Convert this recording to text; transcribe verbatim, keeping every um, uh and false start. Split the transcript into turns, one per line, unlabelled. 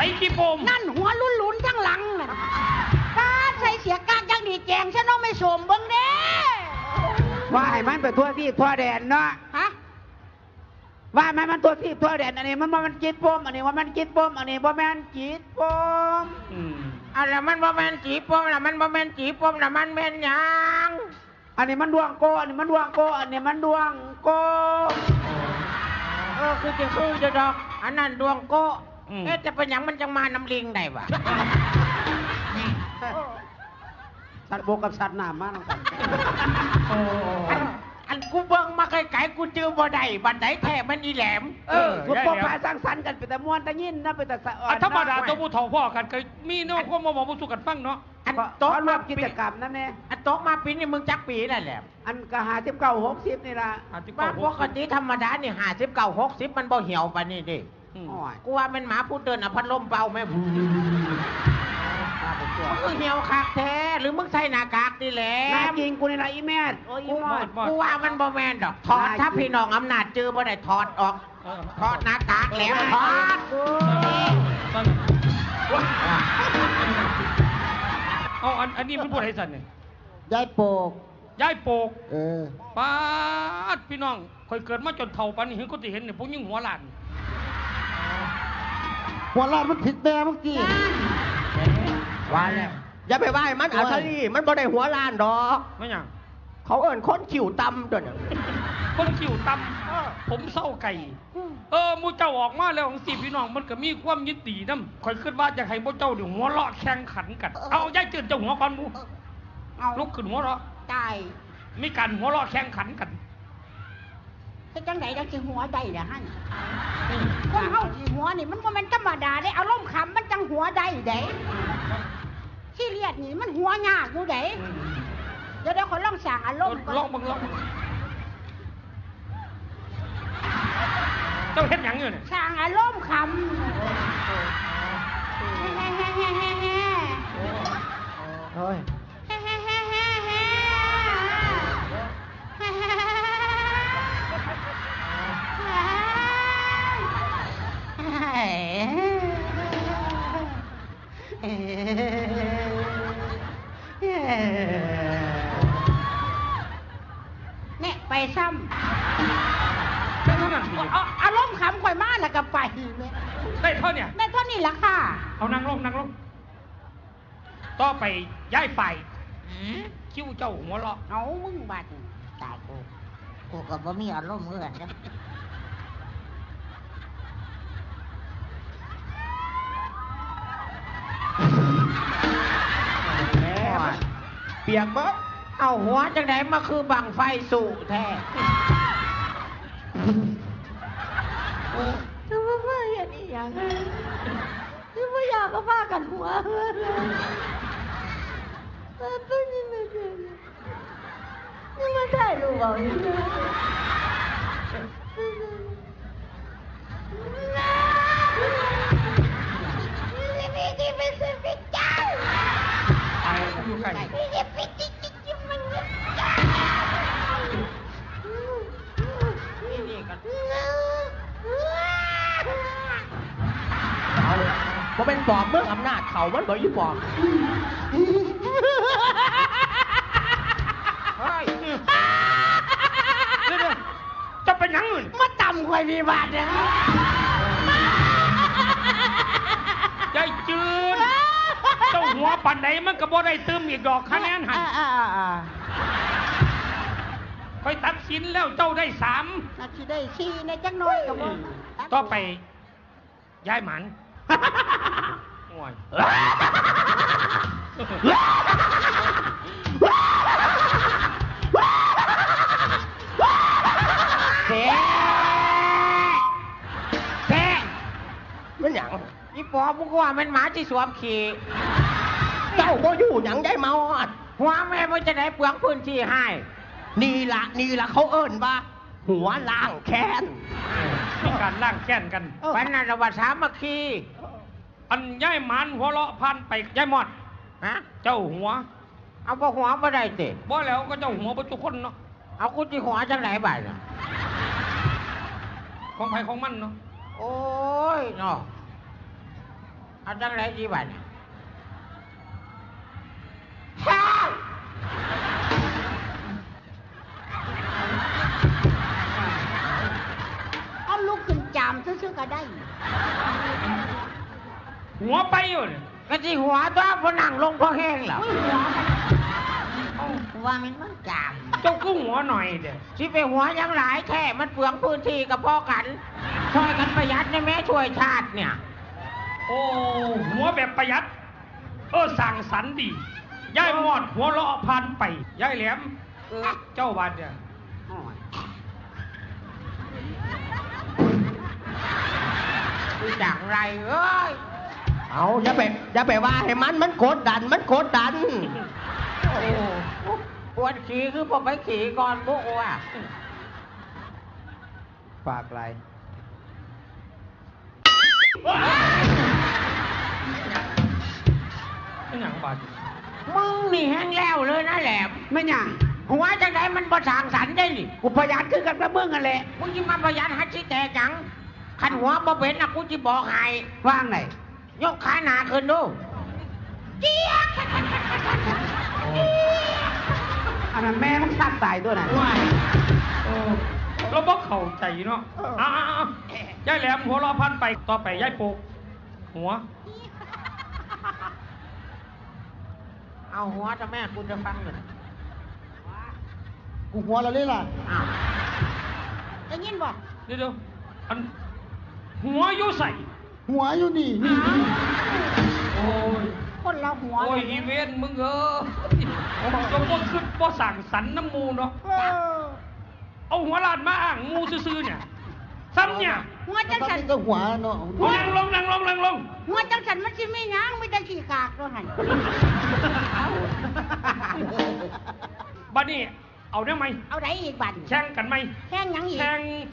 ส่ขี้โปม
นั่นหัวลุ้นๆทั้งหลังน่ะถ้าใส่เสียกากยังดีแจงฉันน้องไม่สมเบิ่งเด้
ว่าให้มันไปทั่วที่ทั่วแดนเนาะ
ฮะ
ว่ามันมันทั่วที่ทั่วแดนอันนี้มันว่ามันจิตปมอันนี้ว่ามันจิตปมอันนี้ว่ามันจิตปม
อะไรมันว่ามันจีปมละมันว่ามันจีปมละมันเป็นยัง
อันนี้มันดวงโกอันนี้มันดวงโกอันนี้มันดวงโก
เออคือจะคือจะดอกอันนั้นดวงโกเอ๊ะจะเป็นยังมันจังมาน้ำลิงได้ปะ
สัตว์โบกับสัตว์น้ำมากกัน
อันกูเบิ่งมาไกลๆกูจื้อบ่ได้บันไดแท้มันอีแหลม
เออกูปกพาสร้างสรรค์กันเป็นแต่มวนแต่ยินนะเป็นแต่สะอ่อน
ธรรมดาตัวผู้เฒ่าพ่อกันเคยมีเนาะก็มาบอกผู้สุกันฟังเนาะ
อันโต๊ะรวมกิจกรรมนั่นเอง
อันโต๊ะมาปีนี่มึงจักปีนั่นแหละ
อันกะหาสิบเก้าหกสิบนี่ละ
บ้านปกติธรรมดานี่หาสิบเก้าหกสิบมันบ่เหี่ยวปะนี่ดิกูว่าเป็นหมาพูดเดินอ่ะพัดลมเป่าไหมมึงเหี่ยวคักแท้หรือมึงใส่หน้ากากนี่แหละ
หน้าจริงกูนี่ละอีแม่
กูกูว่ามันบ่แมนดอกถอดถ้าพี่น้องอำนาจจื้อบ่ได้ถอดออกถอดหน้ากากแล้วถอด
เอาอันอันนี้มันพูดให้สันเนี่ย
ยายโปก
ยายโปก
เออ
ป้าดพี่น้องคอยเกิดมาจนเท่าปันนี้เห็นก็จะเห็นเนี่ยพวกยิ่งหัวหลาน
หัวหลานมันผิดแม่เมื่อกี้
ว่าแล้วอย่าไปว่ามันอัลลีมันบ่ได้หัวล้านดอก
ไม่ยัง
เขาเอิ้นคนขิวตำด้วย
คนขิวตำผมเศร้าไก่เออมูเจ้าออกมาแล้วของสี่พี่น้องมันก็มีความยินดีน้ำคอยขึ้นว่าจะให้มูเจ้าเดี๋ยวหัวเราะแข่งขันกันเอาย่ายจืดเจ้าหัวก่อนมูลุกขึ้นหัวเราะ
ตาย
มีการหัวเราะแข่งขันกัน
เป็นจังไหนจังสิหัวได้เด้อฮั่นคนเฮาสิหัวนี่มันบ่แม่นธรรมดาเด้อารมณ์ขำมันจังหัวได้เด้ขี้เลียดนี่มันหัวยากอยู่เด้เดี๋ยวเดี๋ยวขอลองสั่งอารมณ์
ลองบังลองเจ้าเฮ็ดหยังอยู่เนี่ย
สั่งอารมณ์ขำ
โอ้ย
เนี่ยไปซ้
ำได้เท่านั้น
อารมณ์ขำข่อยมากแล้วก็ไป
ได้เท่าเนี่ย
ได้เท่านี้ละค่ะ
เอานั่งลงนั่งลงต่อไปย้ายฝ่ายคิ้วเจ้าหัวเราะ
เอามึงบาด
ตายกูกูก็บ่มีอารมณ์เหมือนกัน
เปียกบ่เอาหัวจังไหนมาคือบังไฟสู่แท้
คือว่าว่าอย่างนี้อย่างคือว่าอยากก็ว่ากันหัวตัวนี้มันนี่มันได้หรือเปล่านี่มีที่เป็นสิ่งที่เจ้า
อยู่ไกล
มีที่เป็นสิ่งที่มัน
นี่กัน
เขาเป็นปอบเมื่ออำนาจเขามันบ่อยู่ปอบ
เฮ้ยเดี๋ยวจะเป็นยังไง
มาต่ำกว่ามีบาทนะ
ยายจืดเจ้าหัวปันไหนมันก็บ่ได้เติมอีกดอกคะแนนหันไปตัดสินแล้วเจ้าได้สาม
นาทีได้สี่ในจังน้อยกับมึง
ต่อไปย้ายหมันโอ้ย
เซ่เซ่มันหยังนี่ปอบมึงว่ามันหมาที่สวมขี่
เจ้าก็อยู่หยังได้เมาอด
หัวแม่มันจะได้เปลืองพื้นที่ให้
นี่ละนี่ละเขาเอิ้นว่าหัวล้างแค้น
มีการล้างแค้นกัน
เป็นนันวัตสามัคคี
อันย้ายหมันหัวเราะพันไปย้ายหมด
ฮะ
เจ้าหัว
เอาพวกหัวมาได้สิ
บ่แล้วก็เจ้าหัวประจุคนเนาะ
เอากูจีหัวจังไหนบ้างเนาะ
ของใครของมันเนาะ
โอ้ยเนาะเอาจังไรดีบัด
เอาลูกขึ้นจามซื่อๆก็ได้
หัวไปอยู่เนี่ย
ก็สิหัวตัวพนังลงพอแห้งเหรอ
อุ้ยหัวมัน
ว่ามันมันจาม
เจ้ากู้หัวหน่อยเด้อ
สิไปหัวยังหลายแค่มันเปลืองพื้นที่กับพ่อกันช่วยกันประหยัดนะแม่ช่วยชาติเนี่ย
โอ้หัวแบบประหยัด เออสั่งสรรค์ดียายมอดหัวเราะพันไปยายแหลมเออเจ้าบ้านเนี่ย
คือจังไรเอ้ย
เอาอย่าไปอย่าไปว่าให้มันมันกดดันมันกดดัน
โอ้ปวดขี่คือผมไปขี่ก่อนพวกว่า
ฝากอะไร
ไม่หนังบาด
มึงนี่แห้งแล้วเลยนะแหลม
ไม่หยัง
หัวจังไดมันประสางสรรค์ได้นี่
กูประหยัดคือกันกับมึงกันแหละ
มึงจะมาประหยัดฮัดชิแตกจังขันหัวบ่เป็นนะกูจะบอกให้
ว่างไหน
ยกขาหนาขึ้นดู
อันนั้นแม่มึงสัตว์ตายตัวนั้น
เออเราบอกเข้าใจเนาะอ่าๆๆยายแหลมหัวเราะพันไปต่อไปยายปลูกหัว
เอาหัวจะแม่กูจะฟังเลย
กูหัวเราเลยล่ะ
อ้าว
ได้ยินบ่
เดี๋ยวๆอันหัวอยู่ใส่
หัวอยู่นี่
โอ้ย
คนเราหัว
โอ้ยอีเวนต์มึงเออจงบ่ขึ้นบ่สั่งสรรค์น้ำมูเนาะ
เออ
เอาหัวลาดมาอ่างมูซื่อๆเนี่ยซ้ำเนี่ย
หัวจังสัน
ก็หัวเนาะ
นั่งลงนั่งลงนั่งลง
หัวจังสันมันสิไม่ยั้งไม่ได้ขี้กากตัวหัน
บัดนี้เอาได้ไหม
เอาไหนอีกบัด
แข่งกันไหม
แข่งหยังอีก
แข่ง